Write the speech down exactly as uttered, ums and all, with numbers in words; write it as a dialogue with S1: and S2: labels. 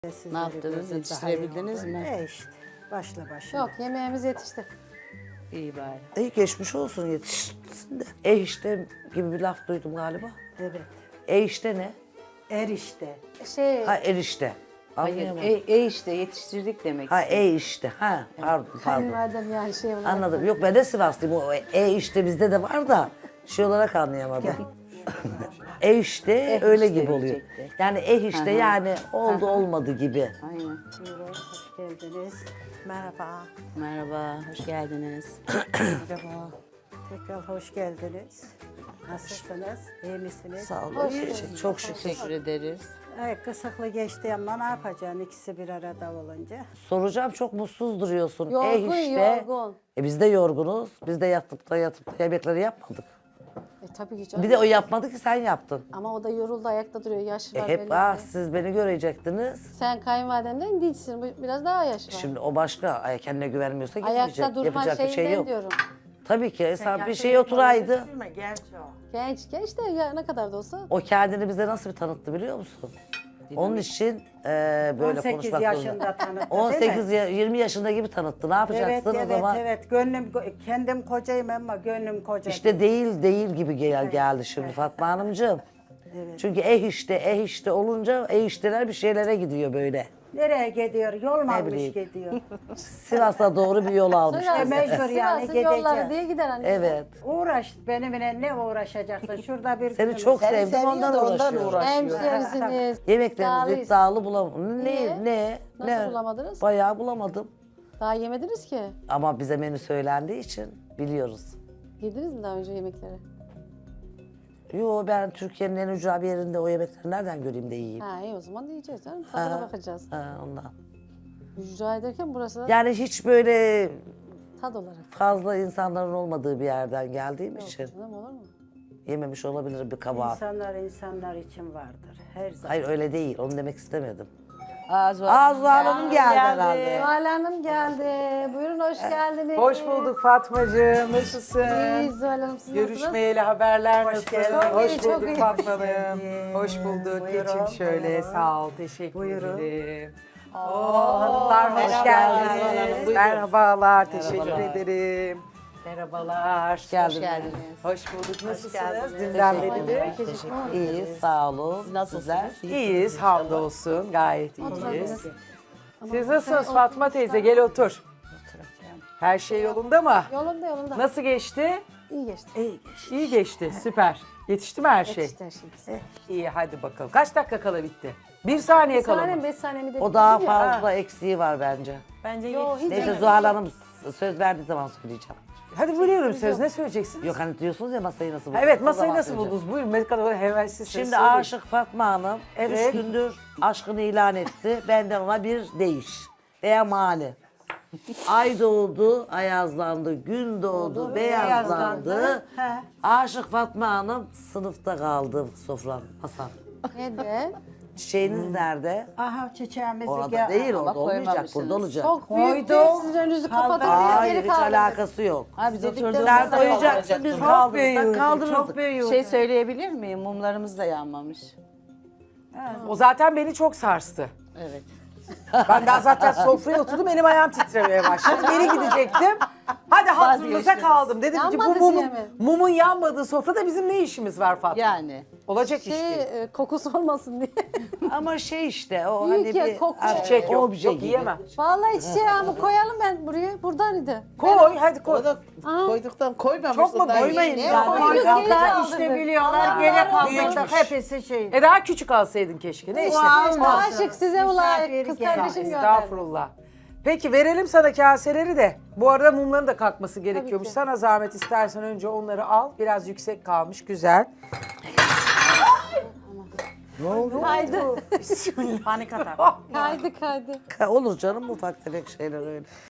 S1: Sizleri
S2: Ne yaptınız?
S1: gördüm,
S2: Yetiştirebildiniz
S1: daha iyi oldu.
S2: mi?
S1: E işte başla başla.
S3: Yok, yemeğimiz yetişti.
S2: İyi bari.
S4: İyi geçmiş olsun yetişsin de. E işte gibi bir laf duydum galiba.
S1: Evet.
S4: E işte ne?
S1: Erişte.
S3: Şey,
S4: Ha erişte.
S2: Hayır,
S4: Anlayamadım.
S2: e, e işte yetiştirdik demek
S4: Ha
S2: istedim.
S4: e işte. Ha pardon pardon.
S3: kayınvalidem yani şey olarak.
S4: Anladım. Yok ben de Sivaslıyım. O e işte bizde de var da şey olarak anlayamadım. E işte
S2: Eh
S4: öyle
S2: işte
S4: gibi oluyor.
S2: diyecekti.
S4: Yani e işte yani oldu olmadı gibi.
S2: Aynen.
S1: Buyurun, hoş geldiniz. Merhaba.
S2: Merhaba, hoş geldiniz.
S1: Merhaba. Tekrar hoş geldiniz. Nasılsınız? İyi misiniz?
S4: Sağ olun.
S3: Hoş
S4: iyi.
S3: geldin.
S4: Çok şükür.
S2: Teşekkür ederiz.
S1: Ay, kısıklı geçti ama ne yapacaksın ikisi bir arada olunca?
S4: Soracağım çok mutsuz duruyorsun.
S3: Yorgun,
S4: e işte.
S3: yorgun.
S4: E biz de yorgunuz. Biz de yatıp da yatıp da yemekleri yapmadık.
S3: E tabii ki canım.
S4: Bir de o yapmadı ki sen yaptın.
S3: Ama o da yoruldu, ayakta duruyor. Yaş
S4: E
S3: var
S4: hep
S3: belli
S4: ah
S3: ki.
S4: siz beni görecektiniz.
S3: Sen kayınvalidemden değilsin. Bu biraz daha yaş var.
S4: Şimdi o başka. Ay, kendine güvenmiyorsa gitmeyecek.
S3: Ayakta durma
S4: Yapacak bir şey
S3: şeyinden
S4: yok.
S3: diyorum.
S4: Tabii ki. Sen bir şey oturaydı.
S3: Genç, genç de ya ne kadar da olsa.
S4: O kendini bize nasıl bir tanıttı biliyor musun? Onun için e, böyle
S1: on sekiz
S4: konuşmak
S1: yaşında
S4: zorunda.
S1: tanıttı, değil mi?
S4: on sekiz ya- yirmi yaşında gibi tanıttı. Ne
S1: Evet,
S4: yapacaksın
S1: evet,
S4: o zaman?
S1: evet. Gönlüm, kendim kocayım ama gönlüm koca.
S4: İşte değil değil gibi gel geldi şimdi Fatma Hanımcığım.
S1: Evet.
S4: Çünkü eh işte eh işte olunca eh işteler bir şeylere gidiyor böyle.
S1: Nereye gidiyor? Yol mu almış
S4: bileyim.
S1: gidiyor?
S4: Sivas'a doğru bir yol almış.
S1: E, mecbur yani
S3: Sivas'ın yolları
S1: gideceğiz.
S3: diye gider hani.
S4: Evet.
S1: Uğraş, benimle ne uğraşacaksın? Şurada bir
S4: Seni
S1: günümüz-
S4: çok sevdim ondan uğraşıyorum.
S3: Hemşerisiniz.
S4: Yemeklerinizi
S3: iddialıyız.
S4: iddialı bulamadım.
S3: Niye?
S4: Ne? Ne?
S3: Nasıl
S4: ne?
S3: bulamadınız?
S4: Bayağı bulamadım.
S3: Daha yemediniz ki.
S4: Ama bize menü söylendiği için biliyoruz.
S3: Yediniz mi daha önce yemekleri?
S4: Yo ben Türkiye'nin en ücra bir yerinde o yemekleri nereden göreyim de yiyeyim.
S3: Ha iyi o zaman da yiyeceğiz canım. Tadına
S4: Ha.
S3: bakacağız.
S4: Ha, ondan.
S3: Rica ederken burası da
S4: Yani hiç böyle
S3: tad olarak.
S4: fazla insanların olmadığı bir yerden geldiğim
S3: Yok
S4: için
S3: canım olur mu?
S4: yememiş olabilir bir kabahat.
S1: İnsanlar insanlar için vardır. Her zaman.
S4: Hayır öyle değil. Onu demek istemedim.
S2: Azu
S4: Azu Hanım geldi herhalde.
S3: Zuhal Hanım geldi. Buyurun hoş geldiniz.
S5: Hoş bulduk Fatmacığım. Nasılsın?
S3: İyi Zuhal Hanım siz nasılsınız?
S5: Görüşmeyeli haberler nasıl?
S1: geldin.
S5: Hoş
S3: Çok iyi, çok
S5: bulduk
S3: iyi.
S5: Fatma Hanım.
S1: geldin.
S5: Hoş bulduk.
S1: Buyurun,
S5: Geçin şöyle.
S1: buyurun.
S5: Sağ ol. Teşekkür
S1: Buyurun.
S5: ederim. Oo, hanımlar hoş
S4: merhaba.
S5: geldiniz.
S4: Merhaba.
S5: Merhabalar. Teşekkür
S4: Merhabalar.
S5: ederim. Merhabalar.
S4: Hoş geldiniz.
S2: geldiniz.
S5: Hoş bulduk. Nasılsınız?
S1: geldiniz.
S5: Dünden
S4: Teşekkür
S5: beri.
S4: ederim. Teşekkür İyi, sağ olun. Siz nasılsınız?
S5: İyiyiz. Hamdolsun. Gayet iyiyiz.
S3: Oturabiliriz.
S5: Siz nasılsınız Fatma teyze? Gel otur. Her şey yolunda mı?
S3: Yolunda yolunda.
S5: Nasıl geçti?
S3: İyi geçti.
S1: İyi geçti.
S5: İyi geçti. Süper. Yetişti mi her şey?
S3: Yetişti her şey.
S5: İyi hadi bakalım. Kaç dakika kala bitti? Bir saniye
S3: Bir
S5: kala
S3: saniye
S5: mı?
S3: beş saniye mi de
S4: O daha
S3: bitirdim ya.
S4: fazla eksiği var bence.
S3: Yo, hiç
S4: Neyse
S3: yok.
S4: Zuhal Hanım söz verdiği zaman söyleyeceğim.
S5: Hadi buyurun söz ne söyleyeceksiniz?
S4: Yok hani diyorsunuz ya masayı nasıl
S5: Ha,
S4: buldunuz?
S5: evet
S4: O
S5: masayı
S4: zaman
S5: nasıl
S4: söyleyeceğim.
S5: buldunuz? Buyurun ne kadar hemen siz
S4: Şimdi
S5: söyleyin.
S4: Aşık Fatma Hanım
S5: Evet.
S4: üç gündür aşkını ilan etti. Benden ona bir değiş veya mani. Ay doğdu, ayazlandı, gün doğdu, beyazlandı.
S1: beyazlandı. He.
S4: Aşık Fatma Hanım sınıfta kaldı sofranın, masanın.
S3: Neden?
S4: Çiçeğiniz nerede?
S1: Aha çiçeğimizi
S4: Orada
S1: gel-
S4: değil,
S2: ama
S4: orada olmayacak,
S2: koymamışsınız.
S4: burada olacak.
S3: Çok büyük
S1: Koydum.
S3: değil. Sizin önünüzü kapatın.
S4: Hayır,
S3: Geri
S4: hiç
S3: kaldırın.
S4: alakası yok.
S2: Ha biz
S4: Sen
S2: oturduğumuzda
S4: koyacaksın, biz
S1: Çok
S4: kaldırırsak
S1: büyüdü,
S4: kaldırırdık.
S1: çok büyüdü.
S2: Şey söyleyebilir miyim? Mumlarımız da yanmamış.
S5: O zaten beni çok sarstı.
S2: Evet.
S5: Ben daha zaten sofraya oturdum elim ayağım titremeye başladı. Geri gidecektim. Hadi hatırınıza
S2: Vazgeçtiniz.
S5: kaldım. Dedim ki bu
S3: Yanmadı
S5: mumun,
S3: diye mi?
S5: mumun yanmadığı sofrada bizim ne işimiz var Fatma?
S2: Yani.
S5: Olacak iş
S3: Şey,
S5: değil.
S3: e, kokusu olmasın diye.
S4: Ama şey işte o
S3: Büyük
S4: hani
S3: ya,
S4: bir
S3: koku.
S4: artık
S5: Çiçek yok,
S4: obje
S5: yok
S4: gibi.
S5: yiyemem.
S3: Vallahi çiçeğimi koyalım ben buraya. Buradaydı.
S5: Koy hadi koy.
S3: Aha.
S6: Koyduktan koymamışsın.
S5: Çok mu
S6: daha
S5: koymayın
S6: iyi.
S5: yani?
S3: Koyuyoruz,
S1: Hatta
S3: geri kaldırdık.
S1: işte biliyorlar
S3: Allah
S1: gene
S3: Allah.
S1: kaldırdık
S5: Büyükmüş.
S1: hepsi şey.
S5: E daha küçük alsaydın keşke. Neyse.
S3: Aşık size ulayık.
S1: Misafir
S3: Kız
S1: gel.
S3: kardeşim gönderdi.
S5: Estağfurullah. Peki verelim sana kaseleri de. Bu arada mumların da kalkması gerekiyormuş.
S3: ki.
S5: Sana zahmet istersen önce onları al. Biraz yüksek kalmış. Güzel.
S3: Kaydı.
S1: Panik atak.
S3: Kaydı kaydı.
S4: Ka- Olur canım ufak tefek şeyler öyle.